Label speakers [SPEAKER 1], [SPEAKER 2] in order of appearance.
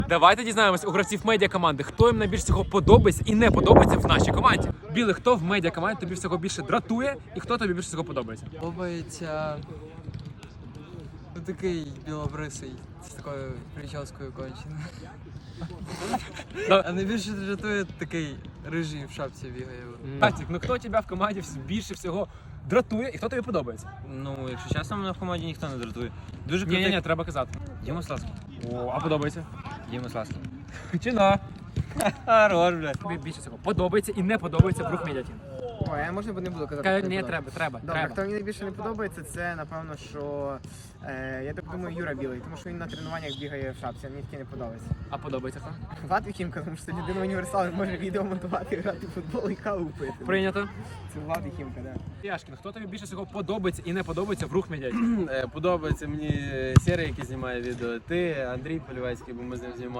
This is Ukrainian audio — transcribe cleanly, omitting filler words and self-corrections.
[SPEAKER 1] Давайте дізнаємось у гравців медіакоманди, хто їм найбільше всього подобається і не подобається в нашій команді. Білий, хто в медіакоманді тобі всього більше дратує і хто тобі більше всього подобається?
[SPEAKER 2] Подобається такий білобрисий з такою прическою конченою. А найбільше дратує такий рижий в шапці бігає.
[SPEAKER 1] Катік, ну хто тебе в команді більше всього дратує і хто тобі подобається?
[SPEAKER 3] Ну, якщо чесно, мене в команді ніхто не дратує. Дуже крутий.
[SPEAKER 1] Ні, треба казати.
[SPEAKER 3] Діма Сласки.
[SPEAKER 1] О, а подобається?
[SPEAKER 3] Діма Сласки.
[SPEAKER 1] Чина.
[SPEAKER 3] Хорош, блядь.
[SPEAKER 1] Тобі більше всього подобається і не подобається в рух медіатін.
[SPEAKER 4] Ой, я можна не буду казати.
[SPEAKER 1] Ні, треба.
[SPEAKER 4] Добре, хто мені найбільше не подобається, це напевно, що я так думаю, Юра Білий, тому що він на тренуваннях бігає в шапці, а мені таке не подобається.
[SPEAKER 1] А подобається хто?
[SPEAKER 4] Влад Віхімка, тому що це людина універсал, він може відео монтувати, грати в футбол і каву пити.
[SPEAKER 1] Прийнято.
[SPEAKER 4] Це Влад Віхімка, так.
[SPEAKER 1] Яшкін, хто тобі більше всього подобається і не подобається в рух медіатін?
[SPEAKER 5] Подобається мені серія, який знімає відео. Ти, Андрій Полівецький, бо ми з ним знімали.